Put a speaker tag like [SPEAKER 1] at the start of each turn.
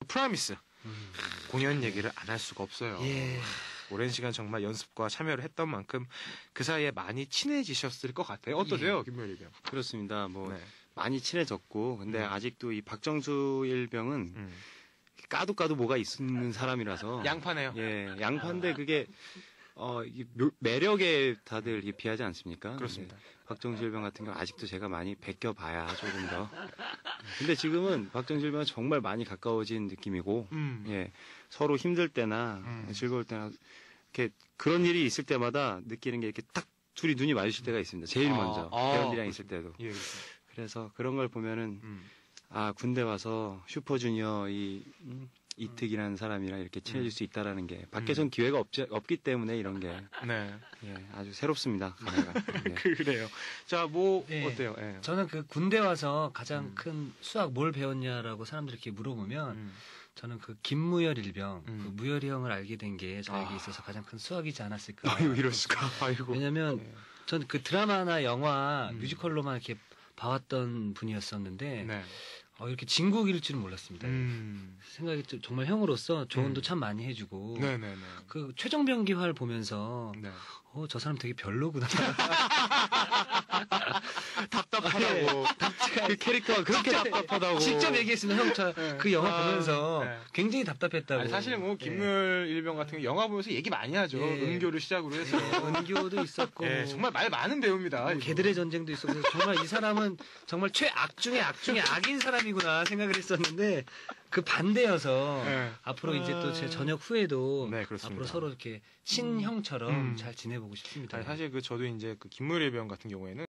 [SPEAKER 1] 프라미스. 공연 얘기를 안 할 수가 없어요.
[SPEAKER 2] 예.
[SPEAKER 1] 오랜 시간 정말 연습과 참여를 했던 만큼 그 사이에 많이 친해지셨을 것 같아요. 어떠세요, 김무열 일병?
[SPEAKER 3] 그렇습니다. 뭐
[SPEAKER 1] 네.
[SPEAKER 3] 많이 친해졌고 근데 아직도 이 박정수 일병은
[SPEAKER 1] 음.
[SPEAKER 3] 까도 뭐가 있는 사람이라서
[SPEAKER 1] 양파네요.
[SPEAKER 3] 예, 양파인데 그게 이게 매력에 다들 이게 비하지 않습니까?
[SPEAKER 1] 그렇습니다.
[SPEAKER 3] 근데 박정수 일병 같은 경우 아직도 제가 많이 베껴봐야 조금 더. 근데 지금은 박정수 일병은 정말 많이 가까워진 느낌이고, 예, 서로 힘들 때나 즐거울 때나 이렇게 그런 일이 있을 때마다 느끼는 게 이렇게 딱 둘이 눈이 마주칠 때가 있습니다. 제일 먼저 배우들이랑 있을 때도.
[SPEAKER 1] 예,
[SPEAKER 3] 그래서 그런 걸 보면은 아 군대 와서 슈퍼주니어 이특이라는 사람이랑 이렇게 친해질 수 있다라는 게 밖에선 기회가 없기 때문에 이런 게
[SPEAKER 1] 네.
[SPEAKER 3] 예, 아주 새롭습니다. 감회가. 예.
[SPEAKER 1] 그래요. 자, 뭐
[SPEAKER 2] 예.
[SPEAKER 1] 어때요? 예.
[SPEAKER 2] 저는 그 군대 와서 가장 큰 수학 뭘 배웠냐라고 사람들이 이렇게 물어보면 저는 그 김무열 일병, 그 무열이 형을 알게 된 게 저에게 있어서 가장 큰 수학이지 않았을까.
[SPEAKER 1] 아유, 이럴 수가. 아이고.
[SPEAKER 2] 왜냐면 전 그 드라마나 영화, 뮤지컬로만 이렇게 봐왔던 분이었었는데
[SPEAKER 1] 네.
[SPEAKER 2] 이렇게 진국일 줄은 몰랐습니다. 생각이 정말 형으로서 조언도 참 많이 해주고
[SPEAKER 1] 네네네.
[SPEAKER 2] 그 최종병기화를 보면서
[SPEAKER 1] 네.
[SPEAKER 2] 저 사람 되게 별로구나.
[SPEAKER 1] 답답하다고. 그 캐릭터가 그렇게 답답하다고.
[SPEAKER 2] 직접 얘기했습니다. 형, 그 영화 보면서
[SPEAKER 1] 네.
[SPEAKER 2] 굉장히 답답했다고.
[SPEAKER 1] 아니, 사실 뭐 김무열 일병 같은 거 영화 보면서 얘기 많이 하죠.
[SPEAKER 2] 예.
[SPEAKER 1] 은교를 시작으로 해서.
[SPEAKER 2] 은교도 있었고.
[SPEAKER 1] 예, 정말 말 많은 배우입니다. 이거.
[SPEAKER 2] 개들의 전쟁도 있었고 정말 이 사람은 정말 최악 중의 악 중의 악인 사람이구나 생각을 했었는데 그 반대여서
[SPEAKER 1] 네.
[SPEAKER 2] 앞으로 이제 또 제 전역 후에도
[SPEAKER 1] 네, 그렇습니다.
[SPEAKER 2] 앞으로 서로 이렇게 친형처럼 잘 지내보고 싶습니다.
[SPEAKER 1] 아니, 사실 저도 이제 그 김무열 일병 같은 경우에는